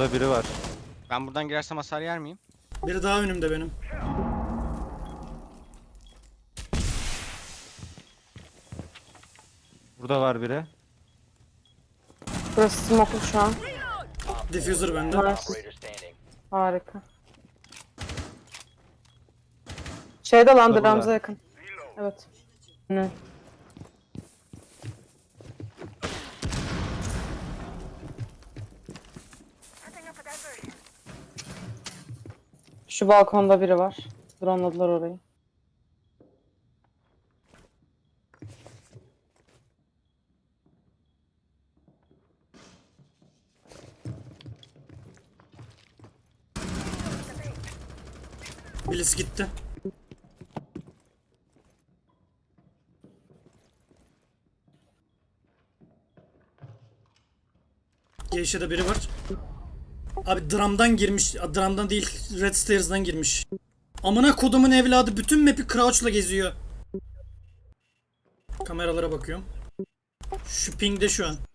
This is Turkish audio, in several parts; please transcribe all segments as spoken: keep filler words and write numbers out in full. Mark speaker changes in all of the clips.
Speaker 1: Burada biri var.
Speaker 2: Ben buradan girersem hasar yer miyim?
Speaker 3: Biri daha önümde benim.
Speaker 1: Burada var biri.
Speaker 4: Burası smoke'lu şu an.
Speaker 3: Diffuser bende.
Speaker 4: Nice. Harika. Şeyde lan
Speaker 1: Burada,
Speaker 4: Drams'a
Speaker 1: burada.
Speaker 4: yakın. Evet. Ne? Şu balkonda biri var. Drone'ladılar orayı.
Speaker 3: Birisi gitti. Geyşe'de biri var. Abi dramdan girmiş. a, Dramdan değil, Red Stairs'dan girmiş. Amına kodumun evladı bütün map'i crouch'la geziyor. Kameralara bakıyorum. Şu pingde şu an.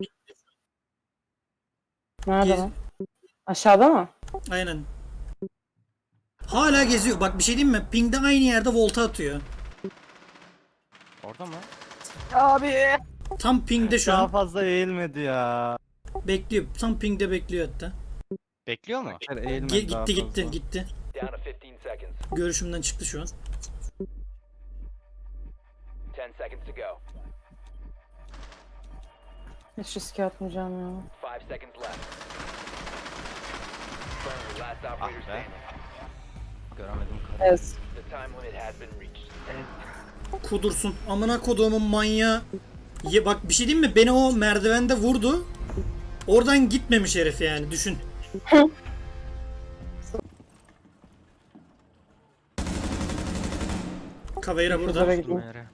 Speaker 4: Nerede
Speaker 3: Gez-
Speaker 4: lan? Aşağıda mı?
Speaker 3: Aynen. Hala geziyor. Bak bir şey diyeyim mi? Pingde aynı yerde volta atıyor.
Speaker 2: Orada mı?
Speaker 1: Abi.
Speaker 3: Tam pingde şu
Speaker 1: Daha
Speaker 3: an.
Speaker 1: fazla eğilmedi ya.
Speaker 3: Bekliyor. Tam pingde bekliyor hatta.
Speaker 2: Bekliyor mu?
Speaker 1: Hayır, eğilmedi
Speaker 3: Ge-
Speaker 1: daha
Speaker 3: gitti gitti
Speaker 1: fazla.
Speaker 3: gitti.
Speaker 5: Down to fifteen seconds.
Speaker 3: Görüşümden çıktı şu an.
Speaker 5: ten seconds to go.
Speaker 4: Hiç riske atmayacağım ya.
Speaker 5: Five seconds left. Friendly, last operator
Speaker 2: Ah be.
Speaker 5: standing.
Speaker 2: Göremedim.
Speaker 4: Evet.
Speaker 5: The time limit has been reached.
Speaker 3: Kudursun. Amına koduğumun manyağı. Ye, bak bir şey diyeyim mi? Beni o merdivende vurdu. Oradan gitmemiş herif yani. Düşün. Kaveyra burada.
Speaker 4: Kızlara gideyim.
Speaker 2: Nereye?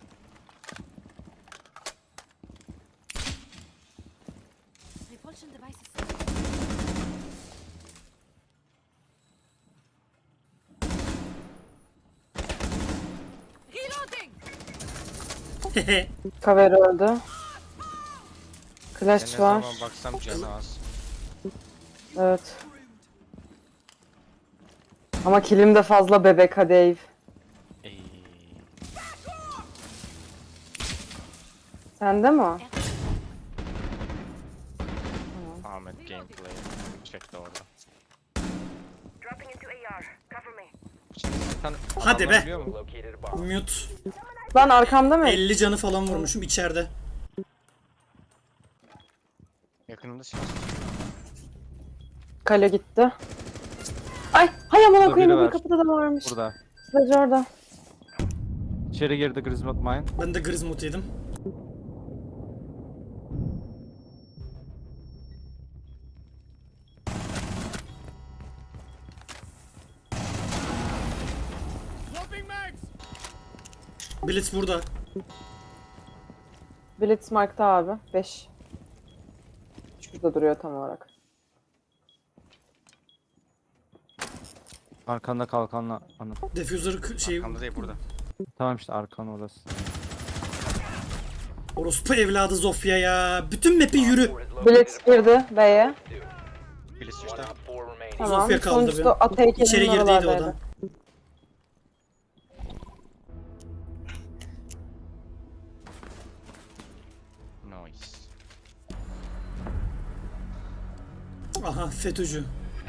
Speaker 6: Repulsion devices. Reloading.
Speaker 4: Kaveri öldü.
Speaker 2: Ben ne
Speaker 4: Clash var.
Speaker 2: zaman baksam canı az.
Speaker 4: Evet. Ama kilim de fazla bebek ha Dave.
Speaker 2: Ey.
Speaker 4: Sende mi o?
Speaker 2: Ahmet gameplay. Çekti orada.
Speaker 7: Dropping into A R. Cover me.
Speaker 2: Şimdi sen
Speaker 3: Hadi
Speaker 2: adamlar
Speaker 3: be.
Speaker 2: biliyor mu?
Speaker 5: Located a bomb.
Speaker 3: Mute.
Speaker 4: Lan arkamda mı?
Speaker 3: elli canı falan vurmuşum içeride.
Speaker 2: Yakınında silah.
Speaker 4: Kale gitti. Ay, hay amına
Speaker 1: Burada
Speaker 4: koyayım
Speaker 1: biri
Speaker 4: bir
Speaker 1: var.
Speaker 4: kapıda da varmış.
Speaker 1: Burada.
Speaker 4: Sledge orada.
Speaker 1: İçeri girdi Grismot Mine.
Speaker 3: Ben de Grismut yedim. Blitz burada.
Speaker 4: Blitzmark'ta abi. beş. Şurada duruyor tam olarak.
Speaker 1: Arkanda kalkanla. Anı.
Speaker 3: Diffuser k- şey
Speaker 2: Arkamda değil burada.
Speaker 1: Tamam işte arkan orası.
Speaker 3: orospu evladı Zofia ya. Bütün map'i yürü.
Speaker 5: Four has located
Speaker 4: Blitz
Speaker 5: a bomb.
Speaker 4: girdi B'ye.
Speaker 2: Birisi
Speaker 5: One
Speaker 2: işte.
Speaker 5: op four remaining.
Speaker 4: Tamam.
Speaker 3: Zofia kaldı
Speaker 4: Sonuncusu
Speaker 3: be.
Speaker 4: at heykelinin
Speaker 3: İçeri girdiydi o
Speaker 4: oralardaydı.
Speaker 3: da.
Speaker 2: Nice.
Speaker 3: Aha FETÖ'cü.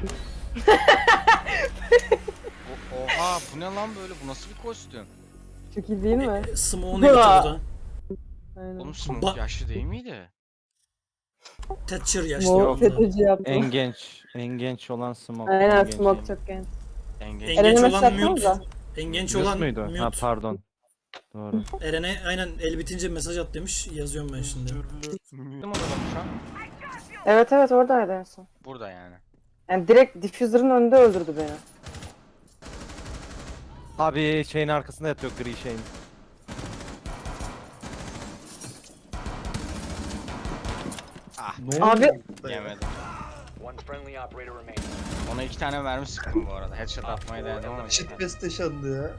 Speaker 2: O, oha bu ne lan böyle? Bu nasıl bir kostüm?
Speaker 4: Çok iyi değil mi?
Speaker 3: Smoke'unu getir burada.
Speaker 4: Aynen.
Speaker 2: Oğlum Smoke
Speaker 3: Ba-
Speaker 2: yaşlı değil miydi?
Speaker 3: Thatcher yaşlı.
Speaker 4: Mor
Speaker 3: Yok.
Speaker 4: FETÖ'cü yaptı.
Speaker 1: En genç. En genç olan Smoke.
Speaker 4: Aynen
Speaker 1: en genç.
Speaker 4: smoke çok genç.
Speaker 2: En genç.
Speaker 3: En genç
Speaker 4: Eren'e
Speaker 3: olan
Speaker 4: mesaj
Speaker 3: Mute.
Speaker 4: atsanıza.
Speaker 3: En genç
Speaker 1: Mute
Speaker 3: olan
Speaker 1: muydu?
Speaker 3: Mute.
Speaker 1: Ha pardon. Doğru.
Speaker 3: Eren'e aynen el bitince mesaj at demiş. Yazıyorum ben şimdi.
Speaker 2: Değil mi orada şu an?
Speaker 4: Evet evet oradaydı en son.
Speaker 2: Burada yani.
Speaker 4: Yani direkt diffuser'ın önünde öldürdü beni.
Speaker 1: Abi şeyin arkasında yatıyor gri şeyin.
Speaker 4: Abi
Speaker 2: Yemedim.
Speaker 5: One friendly operator remaining.
Speaker 2: Ona iki tane mermi sıktım bu arada. Headshot atmayı denedim ama.
Speaker 8: Shitfest yaşandı ya.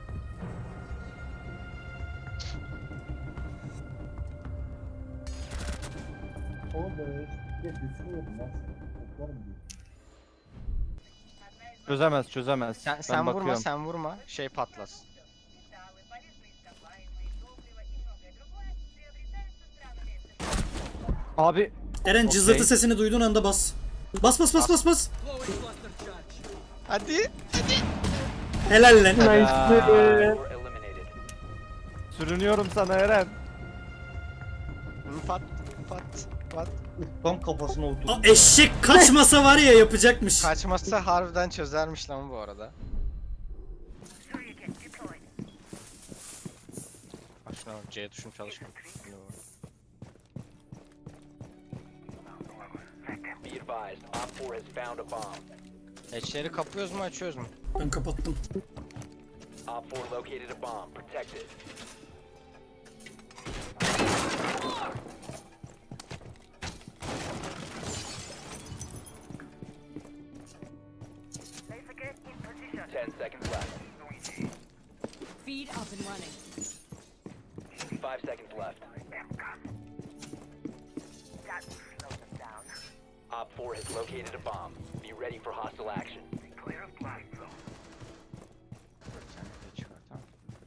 Speaker 8: Oğlum ben getirsin yedim lan. Toplar mı diyor?
Speaker 1: Çözemez çözemez.
Speaker 2: Sen,
Speaker 1: ben
Speaker 2: sen vurma
Speaker 1: bakıyorum.
Speaker 2: sen vurma. Şey patlasın.
Speaker 1: Abi
Speaker 3: Eren
Speaker 1: Okey.
Speaker 3: cızırtı sesini duyduğun anda bas. Bas bas bas bas bas.
Speaker 2: Hadi.
Speaker 3: Helal lan.
Speaker 4: Nice.
Speaker 5: Were eliminated.
Speaker 1: sürünüyorum sana Eren.
Speaker 2: Pat pat pat.
Speaker 8: Tam kafasına oturdu.
Speaker 3: Aa, eşek kaçmasa var ya yapacakmış.
Speaker 2: Kaçmazsa harbiden çözermiş lan bu arada. Bak şuna bak, C tuşum çalışmıyor.
Speaker 5: Be advised, Op four has found a bomb.
Speaker 2: Hatchleri kapıyoruz mu açıyoruz mu?
Speaker 3: Ben kapattım.
Speaker 5: Op four located a bomb. Protect it. Ten seconds left.
Speaker 6: Feed up and running.
Speaker 5: Five seconds left. Op four has located a bomb. Be ready for hostile action.
Speaker 2: Bir tane hatch var, tamam.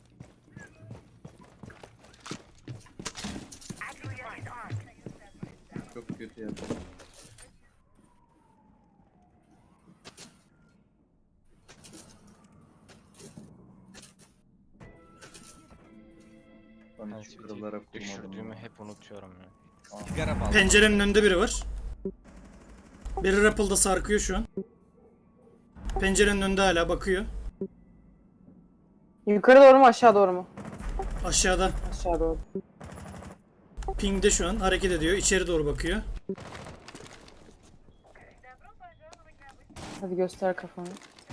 Speaker 8: Çok kötü ya. Ben
Speaker 2: Ben
Speaker 8: hiç kırılarak kurmadım.
Speaker 2: düşürdüğümü
Speaker 8: ya.
Speaker 2: hep unutuyorum ya.
Speaker 8: Aa.
Speaker 2: Sigara bağlı.
Speaker 3: Pencerenin önünde biri var. Biri Rappel'da sarkıyor şu an. Pencerenin önünde hala bakıyor.
Speaker 4: Yukarı doğru mu aşağı doğru mu?
Speaker 3: Aşağıda.
Speaker 4: Aşağı doğru.
Speaker 3: Ping'de şu an hareket ediyor. İçeri doğru bakıyor.
Speaker 4: Hadi göster kafanı.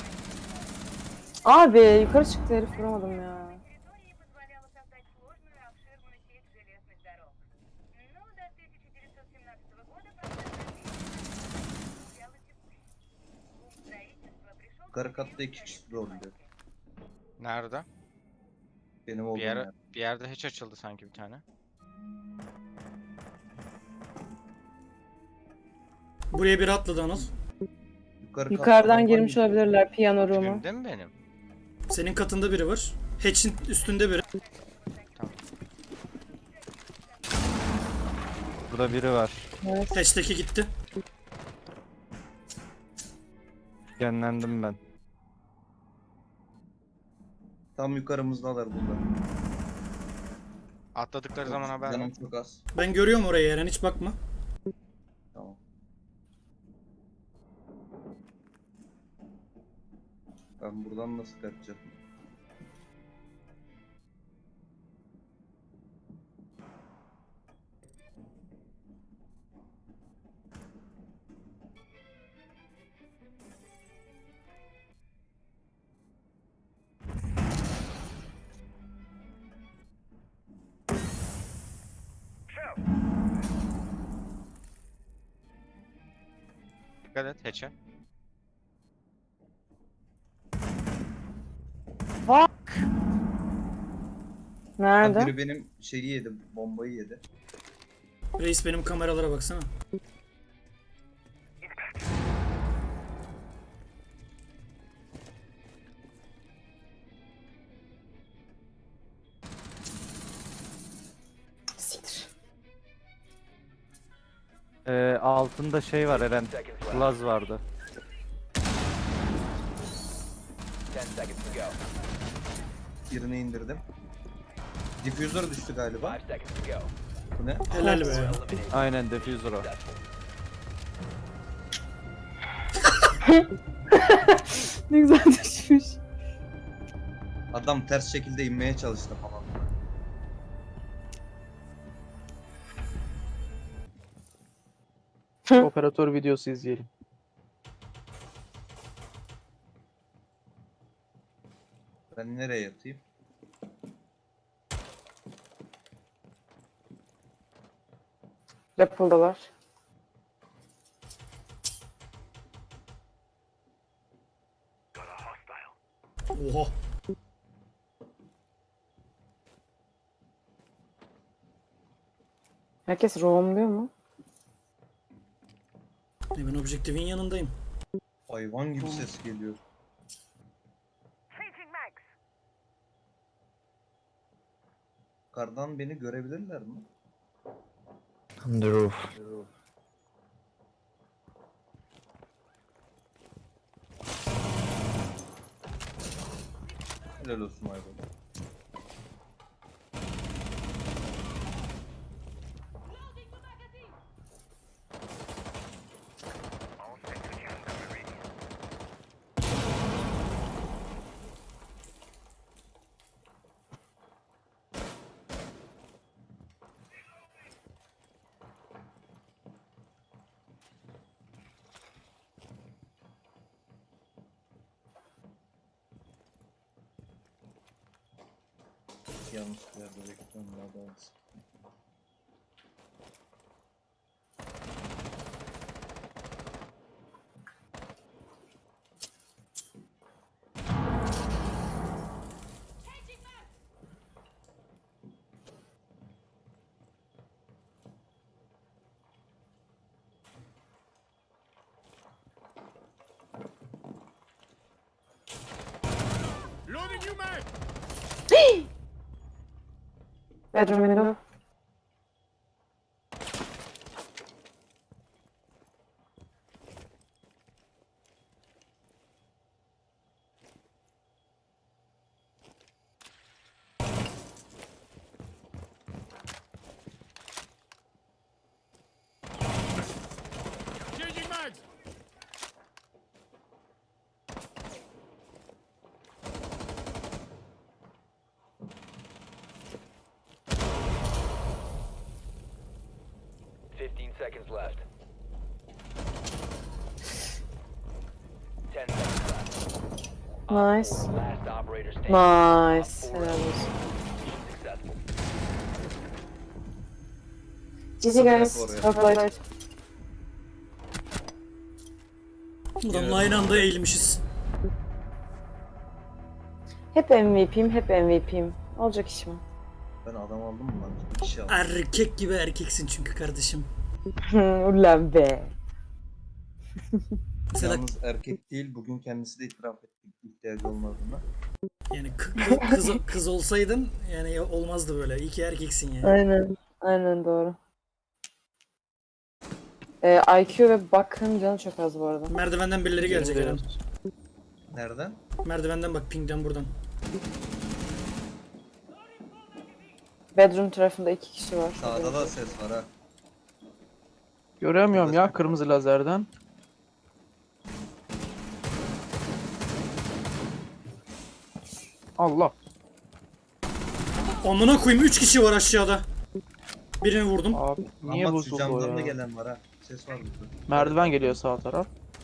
Speaker 4: Abi yukarı çıktı herif, vuramadım ya.
Speaker 7: Территории позволяло создать сложную и обширную сеть железных дорог. Но до тысяча девятьсот семнадцатого года процесс взял текущий. Бум строительства пришел к
Speaker 8: Yukarı katta iki kişi rolde.
Speaker 2: Nerede?
Speaker 8: Benim
Speaker 2: Bir,
Speaker 8: olduğum
Speaker 2: yer,
Speaker 8: yer.
Speaker 2: bir yerde hatch açıldı sanki bir tane.
Speaker 3: Buraya biri atladı Anıl.
Speaker 8: Yukarı
Speaker 4: Yukarıdan
Speaker 8: katta
Speaker 4: girmiş
Speaker 8: normal
Speaker 4: olabilirler piyano room'u.
Speaker 2: Dibimde mi benim?
Speaker 3: Senin katında biri var. Hatch'in üstünde biri.
Speaker 1: Burada biri var.
Speaker 4: Evet.
Speaker 3: Hatch'teki gitti.
Speaker 1: Genlendim ben.
Speaker 8: Tam yukarımızdalar burada.
Speaker 2: Atladıkları zaman haber
Speaker 8: Canım
Speaker 2: ver.
Speaker 8: çok az.
Speaker 3: Ben görüyorum orayı Eren, hiç bakma.
Speaker 8: Tamam. Ben buradan nasıl kaçacağım?
Speaker 2: Dikkat et hatch'e.
Speaker 4: Nerede?
Speaker 8: Biri benim şeyi yedi, bombayı yedi.
Speaker 3: Reis benim kameralara baksana.
Speaker 4: Siktir.
Speaker 1: Ee, altında şey var Eren.
Speaker 5: Seconds left.
Speaker 1: Glaz vardı.
Speaker 5: Ten seconds to go.
Speaker 8: Birini indirdim. Diffuser düştü galiba.
Speaker 5: Five seconds to go.
Speaker 8: Bu ne?
Speaker 3: Helal be.
Speaker 5: Eliminated.
Speaker 1: Aynen diffuser o.
Speaker 5: Successful.
Speaker 4: Ne güzel düşmüş.
Speaker 8: Adam ters şekilde inmeye çalıştı falan.
Speaker 9: Operatör videosu izleyelim.
Speaker 8: Ben nereye yatayım?
Speaker 4: Rappel'dalar.
Speaker 3: Oha.
Speaker 4: Herkes roamluyor mu?
Speaker 3: E ben objektifin yanındayım.
Speaker 8: Hayvan gibi ses geliyor. Yukarıdan beni görebilirler mi?
Speaker 1: On the roof.
Speaker 8: Helal olsun Aybo. Yanlış bir yerde bekliyorum daha doğrusu.
Speaker 4: Bedroom window.
Speaker 5: Fifteen seconds left. Ten seconds left.
Speaker 4: Nice.
Speaker 5: Last operator standing.
Speaker 4: Nice.
Speaker 5: Op four
Speaker 4: Helal olsun.
Speaker 5: successful.
Speaker 4: G G guys.
Speaker 8: Oraya.
Speaker 4: Well played.
Speaker 3: Adamla aynı anda eğilmişiz.
Speaker 4: Hep M V P'yim, hep M V P'yim. Olacak iş mi?
Speaker 8: Ben adam aldım mı lan? Bir kişi aldım.
Speaker 3: Erkek gibi erkeksin çünkü kardeşim.
Speaker 4: Ulan be.
Speaker 3: Mesela
Speaker 8: Yalnız erkek değil, bugün kendisi de itiraf etti ihtiyacı olmadığına.
Speaker 3: yani kı- kız, kız olsaydın yani olmazdı böyle. İyi ki erkeksin yani.
Speaker 4: Aynen. Aynen doğru. Ee, I Q ve bakın canı çok az bu arada.
Speaker 3: Merdivenden birileri gelecek Eren.
Speaker 8: Nereden?
Speaker 3: Merdivenden bak, pingden buradan.
Speaker 4: Bedroom tarafında iki kişi var.
Speaker 8: Sağda da ses var ha.
Speaker 9: Göremiyorum ya kırmızı lazerden. Allah.
Speaker 3: Amına koyayım, üç kişi var aşağıda. Birini vurdum.
Speaker 9: Abi niye
Speaker 8: Ama şu
Speaker 9: bozuldu o
Speaker 8: camdan da
Speaker 9: ya?
Speaker 8: gelen var ha. Ses var burada.
Speaker 9: Merdiven geliyor sağ taraf.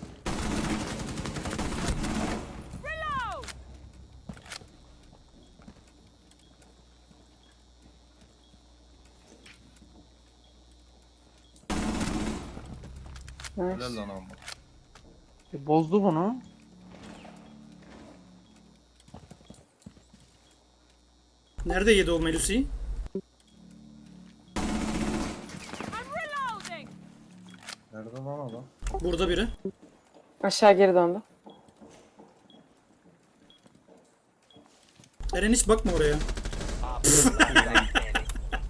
Speaker 4: Nice.
Speaker 8: Helal lan ama.
Speaker 9: E, bozdu bunu.
Speaker 3: Nerede yedi o Melusi'yi?
Speaker 6: Reloading.
Speaker 8: Nerede lan adam?
Speaker 3: Burada biri.
Speaker 4: Aşağı geri döndü.
Speaker 3: Eren hiç bakma oraya.
Speaker 5: Op four last stop standing.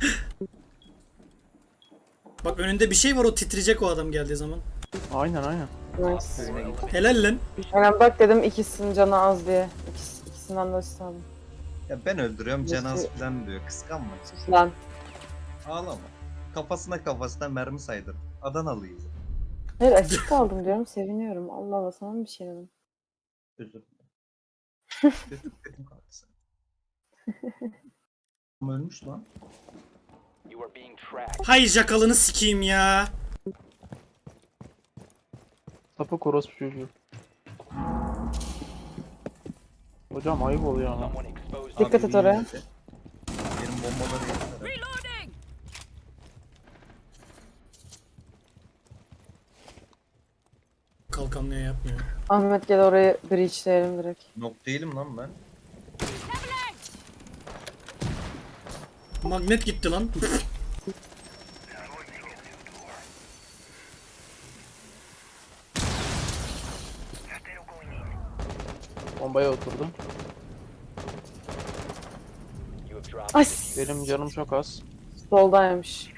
Speaker 3: Bak önünde bir şey var, o titreyecek o adam geldiği zaman.
Speaker 9: Aynen aynen.
Speaker 4: Nice.
Speaker 3: Helal lan.
Speaker 4: Aynen bak dedim ikisinin canı az diye. İkisi, ikisinden de üstü aldım.
Speaker 8: Ya ben öldürüyorum, cenaz
Speaker 4: Nasıl-
Speaker 8: falan diyor. Kıskanma.
Speaker 4: Lan.
Speaker 8: Ağlama. Kafasına kafasına mermi saydır. Adanalıyız.
Speaker 4: Hayır açık kaldım diyorum, seviniyorum. Allah Allah, sana mı bir şey dedim?
Speaker 8: Özür dilerim. Kötü kötü kaldı sana. Ama ölmüş lan.
Speaker 5: You are being tracked.
Speaker 3: Hay jakalını sikeyim ya.
Speaker 9: Sapık orospu çocuğu. Hocam ayıp oluyor ama.
Speaker 5: Someone exposed.
Speaker 4: Dikkat et oraya.
Speaker 8: yine de. Benim bombaları yediler.
Speaker 6: Reloading.
Speaker 3: Kalkanlıya yapmıyor.
Speaker 4: Ahmet gel orayı breachleyelim direkt.
Speaker 8: Nok değilim lan ben.
Speaker 3: Magnet gitti lan.
Speaker 9: Bombaya oturdu.
Speaker 5: You have drop
Speaker 4: Ay
Speaker 5: the diffuser.
Speaker 9: Benim canım çok az.
Speaker 4: soldaymış.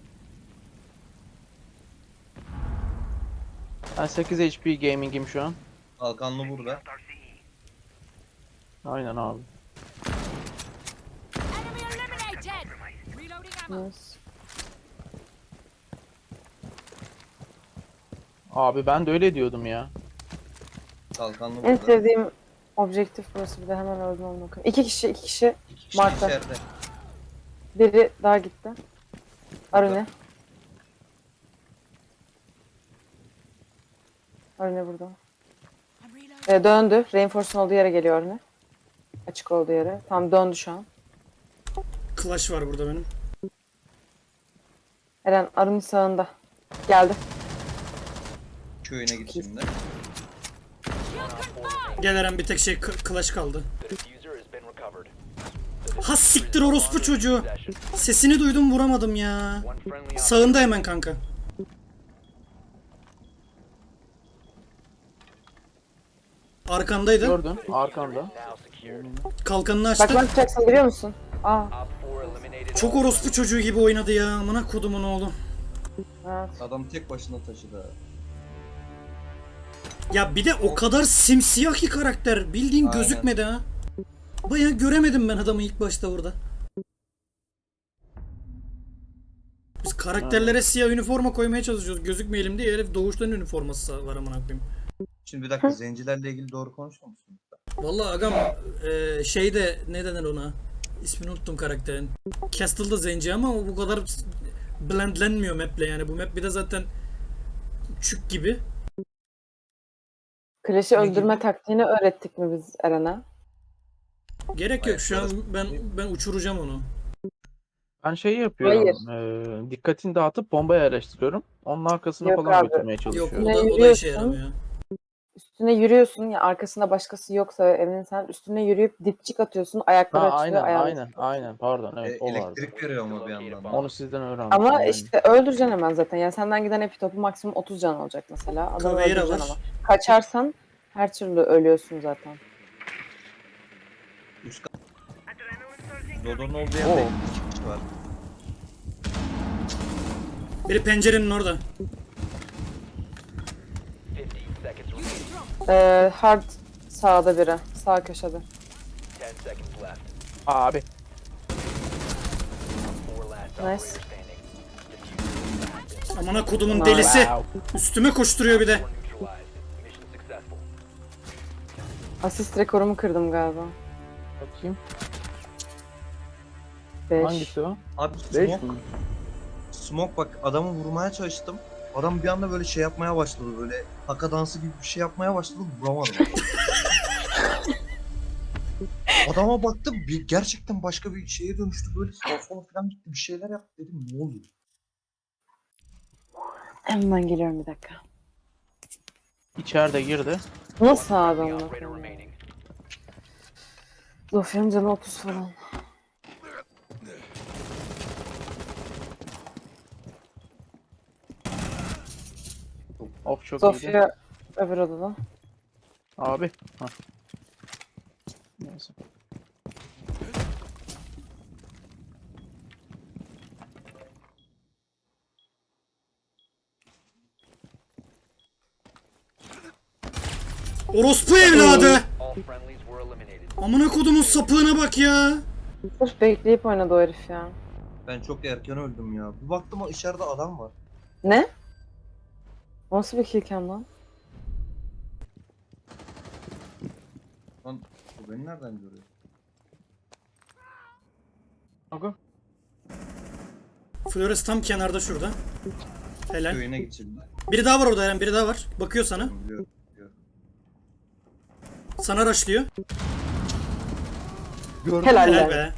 Speaker 9: Ben sekiz H P gaming'im şu an.
Speaker 8: Kalkanlı burada.
Speaker 9: Aynen abi.
Speaker 6: Enemy eliminated! Reloading ammo.
Speaker 4: Nice.
Speaker 9: Abi ben de öyle diyordum ya.
Speaker 8: Kalkanlı
Speaker 4: En
Speaker 8: burada.
Speaker 4: sevdiğim objektif burası, bir de hemen öldüm onu bakın. İki kişi, iki kişi.
Speaker 8: İki kişi
Speaker 4: Mark'ta.
Speaker 8: içeride.
Speaker 4: Biri daha gitti. Arune. Arune burada.
Speaker 6: I'm reloading.
Speaker 4: Ee, döndü. Reinforce'un olduğu yere geliyor Arune. Açık olduğu yere. Tam döndü şu an.
Speaker 3: Clash var burada benim.
Speaker 4: Eren Arun'un sağında. Geldi.
Speaker 8: Köyüne git şimdi.
Speaker 3: Gel Eren, bir tek şey k- Clash kaldı.
Speaker 5: The diffuser has been recovered.
Speaker 3: Ha siktir orospu çocuğu. Sesini duydum, vuramadım ya.
Speaker 5: One friendly op
Speaker 3: Sağında hemen kanka. Arkandaydı.
Speaker 9: Gördün arkanda.
Speaker 5: now secured.
Speaker 3: Kalkanını
Speaker 4: Bak
Speaker 3: açtı.
Speaker 4: ne yapacaksın biliyor musun? Aa,
Speaker 5: Op four eliminated.
Speaker 3: Çok orospu çocuğu gibi oynadı ya. Amına kodumun oğlu.
Speaker 4: evet.
Speaker 8: Adam tek başına taşıdı. ha.
Speaker 3: Ya bir de o kadar simsiyah ki karakter. Bildiğin
Speaker 8: Aynen.
Speaker 3: gözükmedi ha. Bayağı göremedim ben adamı ilk başta orada. Biz karakterlere siyah üniforma koymaya çalışıyoruz. Gözükmeyelim diye, herif doğuştan üniforması var amına koyayım.
Speaker 8: Şimdi bir dakika, zencilerle ilgili doğru konuşuyor musun?
Speaker 3: Vallahi agam e, şeyde ne denir ona? İsmini unuttum karakterin. Castle'da zenci ama o bu kadar blendlenmiyor map'le yani. Bu map bir de zaten çük gibi.
Speaker 4: Clash'i
Speaker 8: Ne
Speaker 4: öldürme
Speaker 8: gibi?
Speaker 4: taktiğini öğrettik mi biz Eren'e?
Speaker 3: Gerek yok, şu an
Speaker 8: Ayakları
Speaker 3: ben
Speaker 8: tutuyor.
Speaker 3: ben uçuracağım onu.
Speaker 9: Ben şey yapıyorum.
Speaker 4: Hayır.
Speaker 9: eee, dikkatini dağıtıp bomba yerleştiriyorum. Onun arkasına
Speaker 4: Yok
Speaker 9: falan
Speaker 4: abi.
Speaker 9: götürmeye
Speaker 3: Yok,
Speaker 9: çalışıyorum.
Speaker 3: o da, o da
Speaker 4: yürüyorsun.
Speaker 3: işe yaramıyor.
Speaker 4: Üstüne yürüyorsun ya, arkasında başkası yoksa evinin, sen üstüne yürüyüp dipçik atıyorsun, ayakları
Speaker 9: Ha
Speaker 4: açılıyor,
Speaker 9: aynen
Speaker 4: ayağını
Speaker 9: aynen
Speaker 4: sıkıyorsun.
Speaker 9: aynen pardon
Speaker 8: E,
Speaker 9: evet o vardı.
Speaker 8: elektrik veriyor mu bir yandan? da?
Speaker 9: Onu sizden öğrendim.
Speaker 4: Ama
Speaker 9: aynen.
Speaker 4: işte öldüreceksin hemen zaten. Yani senden giden epitopu maksimum otuz can olacak mesela. Adamı
Speaker 3: Caveira
Speaker 4: öldüreceksin
Speaker 3: var.
Speaker 4: ama. Kaçarsan her türlü ölüyorsun zaten.
Speaker 8: Üst kat. Dodo'nun olduğu yerde
Speaker 9: Oo.
Speaker 8: iki kişi var.
Speaker 3: Biri pencerenin orada.
Speaker 5: fifty seconds remaining.
Speaker 4: Ee, hard sağda biri. Sağ köşede.
Speaker 5: ten seconds left.
Speaker 9: Abi
Speaker 5: Four last
Speaker 4: Nice.
Speaker 5: operator standing. Diffuser is active.
Speaker 3: Amına kodumun
Speaker 4: Wow.
Speaker 3: delisi.
Speaker 9: wow.
Speaker 3: Üstüme koşturuyor bir de.
Speaker 5: Four neutralized. Mission successful.
Speaker 4: Asist rekorumu kırdım galiba.
Speaker 9: Bakayım.
Speaker 4: beş.
Speaker 9: Hangisi o?
Speaker 8: Abi
Speaker 9: beş
Speaker 8: smoke,
Speaker 9: mi?
Speaker 8: smoke bak, adamı vurmaya çalıştım. Adam bir anda böyle şey yapmaya başladı, böyle haka dansı gibi bir şey yapmaya başladı, vuramadım. Adama baktım, bir, gerçekten başka bir şeye dönüştü, böyle sağa sola falan gitti, bir şeyler yaptı, dedim ne oluyor?
Speaker 4: Hemen geliyorum bir dakika.
Speaker 9: İçeride girdi.
Speaker 4: Nasıl abi
Speaker 5: The
Speaker 4: onu?
Speaker 5: operator remaining.
Speaker 4: Zofya'nın canı otuz falan.
Speaker 9: Of çok iyiydi.
Speaker 4: Zofya öbür odada.
Speaker 9: Abi. Hah. Neyse.
Speaker 3: Orospu evladı.
Speaker 5: All friendlies were eliminated.
Speaker 3: Amına kodumun sapığına bak ya.
Speaker 4: Sırf bekleyip oynadı o herif ya.
Speaker 8: Ben çok erken öldüm ya. Bir baktım o içeride adam var.
Speaker 4: Ne? Nasıl bir killcam lan?
Speaker 8: Lan bu beni nereden görüyor?
Speaker 9: Aga.
Speaker 3: Flores tam kenarda şurada. Helal.
Speaker 8: Köyüne git şimdi.
Speaker 3: Biri daha var orada Eren, biri daha var. Bakıyor sana.
Speaker 8: Biliyorum. biliyorum.
Speaker 3: Sana rushlıyor.
Speaker 4: Helal,
Speaker 3: Helal
Speaker 4: be.
Speaker 3: be.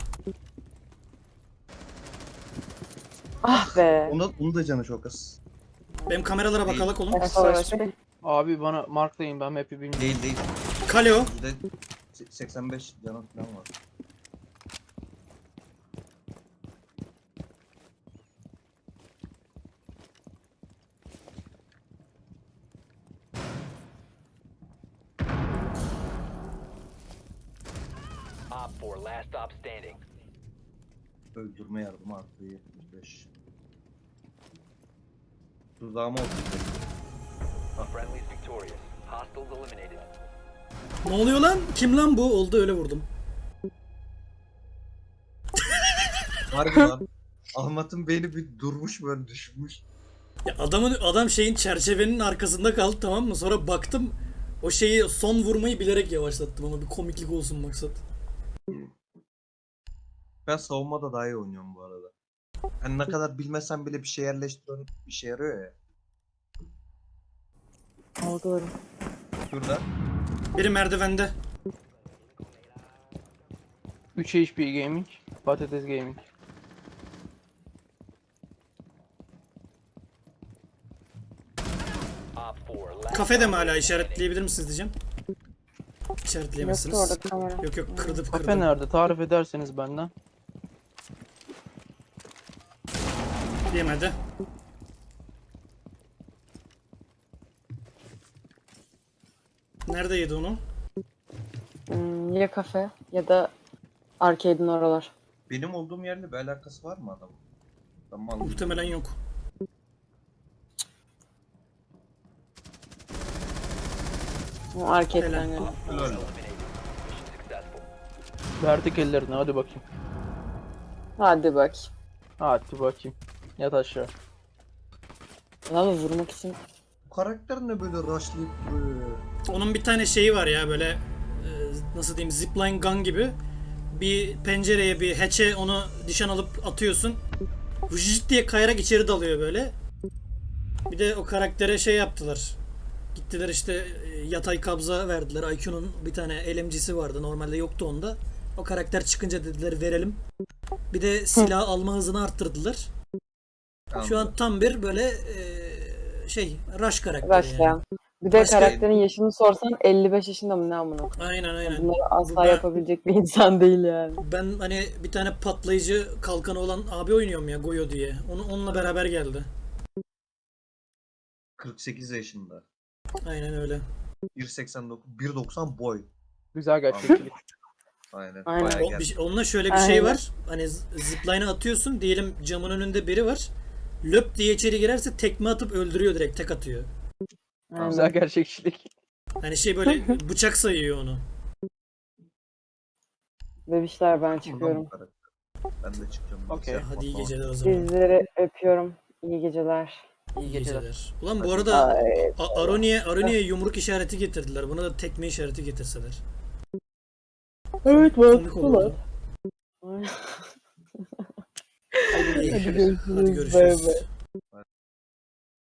Speaker 4: Ah be.
Speaker 8: Onu, onu da canı çok az.
Speaker 3: Benim kameralara bakalak oğlum.
Speaker 4: Ben savaş be.
Speaker 9: Abi bana marklayın ben map'i bilmiyorum.
Speaker 8: Değil değil.
Speaker 3: Kale o.
Speaker 8: Yüzde se- seksen beş canı falan var.
Speaker 5: Op four last stop standing.
Speaker 8: Öldürme yardımı arttı yetmiş beş. Tuzağıma otuz beş.
Speaker 5: Friendly's victorious. Hostiles eliminated.
Speaker 3: Ne oluyor lan? Kim lan bu? Oldu öyle vurdum.
Speaker 8: Harbi lan. Ahmet'in beyni bir durmuş böyle düşünmüş.
Speaker 3: Ya adamın adam şeyin çerçevenin arkasında kaldı, tamam mı? Sonra baktım o şeyi son vurmayı bilerek yavaşlattım ama bir komiklik olsun maksat.
Speaker 8: Ben savunmada daha iyi oynuyorum bu arada. Hani ne kadar bilmesen bile bir şey yerleştiriyorsun, bir şey yarıyor ya.
Speaker 4: O doğru.
Speaker 8: Şurada.
Speaker 3: Biri merdivende.
Speaker 9: üç H P Gaming. Patates Gaming.
Speaker 5: Op four. Last
Speaker 3: Kafede mi hala, işaretleyebilir misiniz diyeceğim.
Speaker 4: Yoktu
Speaker 3: İşaretleyemezsiniz.
Speaker 4: orada kamera.
Speaker 3: Yok yok, kırdı
Speaker 9: Kafe
Speaker 3: kırdı.
Speaker 9: nerede? Tarif ederseniz benden.
Speaker 3: Yemedi. Nerede yedi onu?
Speaker 4: Hmm, ya kafe ya da arcade'in oralar.
Speaker 8: Benim olduğum yerle bir alakası var mı adamın? Tamam.
Speaker 3: Muhtemelen yok.
Speaker 4: O arcade'den
Speaker 3: Helal.
Speaker 4: yani.
Speaker 8: Helal.
Speaker 5: eliminated. Mission successful.
Speaker 9: Verdik ellerini, hadi bakayım.
Speaker 4: Hadi bak.
Speaker 9: Hadi bakayım. Yat aşağı.
Speaker 4: Adamı vurmak için.
Speaker 8: Bu karakter ne böyle rushlayıp duruyor?
Speaker 3: Onun bir tane şeyi var ya, böyle e, nasıl diyeyim, zipline gun gibi. Bir pencereye, bir hatch'e onu nişan alıp atıyorsun. Vıcıt diye kayarak içeri dalıyor böyle. Bir de o karaktere şey yaptılar. Gittiler işte e, yatay kabza verdiler. I Q'nun bir tane L M G'si vardı. Normalde yoktu onda. O karakter çıkınca dediler verelim. Bir de silah alma hızını arttırdılar. Şu an tam bir böyle e, şey rush karakteri
Speaker 4: Başlayan.
Speaker 3: yani.
Speaker 4: Bir de
Speaker 3: Başka-
Speaker 4: karakterin yaşını sorsan elli beş yaşında mı ne amına koyayım.
Speaker 3: Aynen aynen.
Speaker 4: Bunları asla
Speaker 3: Burada-
Speaker 4: yapabilecek bir insan değil yani.
Speaker 3: Ben hani bir tane patlayıcı kalkanı olan abi oynuyorum ya, Goyo diye. Onu onunla beraber geldi.
Speaker 8: kırk sekiz yaşında.
Speaker 3: Aynen öyle.
Speaker 8: bir seksen dokuz, bir doksan boy.
Speaker 9: Güzel gerçekçilik.
Speaker 8: Aynen.
Speaker 4: Aynen.
Speaker 8: Bayağı
Speaker 3: O,
Speaker 8: geldi.
Speaker 3: bir, onunla şöyle bir şey
Speaker 4: Aynen.
Speaker 3: var. Hani z- zipline'a atıyorsun. Diyelim camın önünde biri var. Löp diye içeri girerse tekme atıp öldürüyor, direkt tek atıyor.
Speaker 4: Aynen.
Speaker 9: Güzel gerçekçilik.
Speaker 3: Hani şey böyle bıçak sayıyor onu.
Speaker 4: Bebişler ben
Speaker 8: Bundan
Speaker 4: çıkıyorum.
Speaker 8: bu karakter. Ben de çıkacağım.
Speaker 9: Okey.
Speaker 8: Bilgisayar
Speaker 3: Hadi iyi
Speaker 8: patlamak.
Speaker 3: geceler o zaman.
Speaker 4: Sizleri öpüyorum. İyi geceler.
Speaker 3: İyi
Speaker 9: geceler.
Speaker 3: geceler. Ulan bu arada
Speaker 4: Ay,
Speaker 3: A- Aroni'ye Aroni'ye yumruk işareti getirdiler. Buna da tekme işareti getirseler.
Speaker 4: evet
Speaker 3: Komik olurdu.
Speaker 4: mantıklı.
Speaker 3: İyi.
Speaker 4: Hadi görüşürüz.
Speaker 3: Hadi
Speaker 4: Bay
Speaker 3: görüşürüz.
Speaker 4: bay.